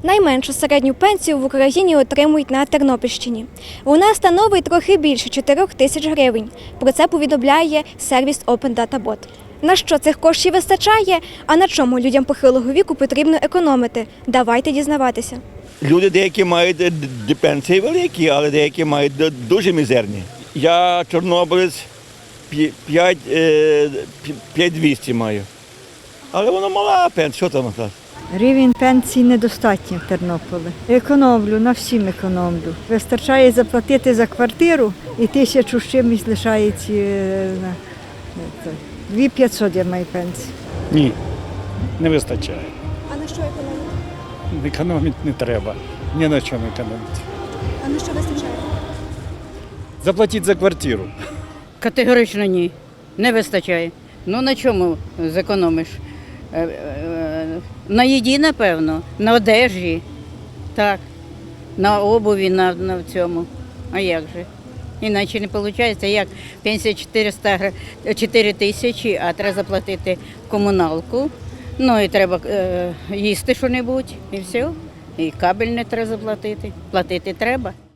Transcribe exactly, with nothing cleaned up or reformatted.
Найменшу середню пенсію в Україні отримують на Тернопільщині. Вона становить трохи більше чотирьох тисяч гривень. Про це повідомляє сервіс Open Data Bot. На що цих коштів вистачає, а на чому людям похилого віку потрібно економити? Давайте дізнаватися. Люди деякі мають пенсії великі, але деякі мають дуже мізерні. Я чорнобилець, п'ять тисяч двісті маю. Але воно мала пенсія, що там? Рівень пенсії недостатній в Тернополі. Економлю, на всім економлю. Вистачає заплатити за квартиру і тисячу з чимось лишається на дві тисячі п'ятсот я маю пенсію. Ні, не вистачає. А на що економити? Економити не треба. Ні на чому економити. А на що вистачає? Заплатіть за квартиру. Категорично ні. Не вистачає. Ну на чому зекономиш? Е, е, На їді, напевно, на одежі, так, на обуві, на, на цьому. А як же? Іначе не виходить, як пенсія чотириста, чотири тисячі, а треба заплатити комуналку. Ну і треба е, їсти що-небудь, і все. І кабель не треба заплатити. Платити треба.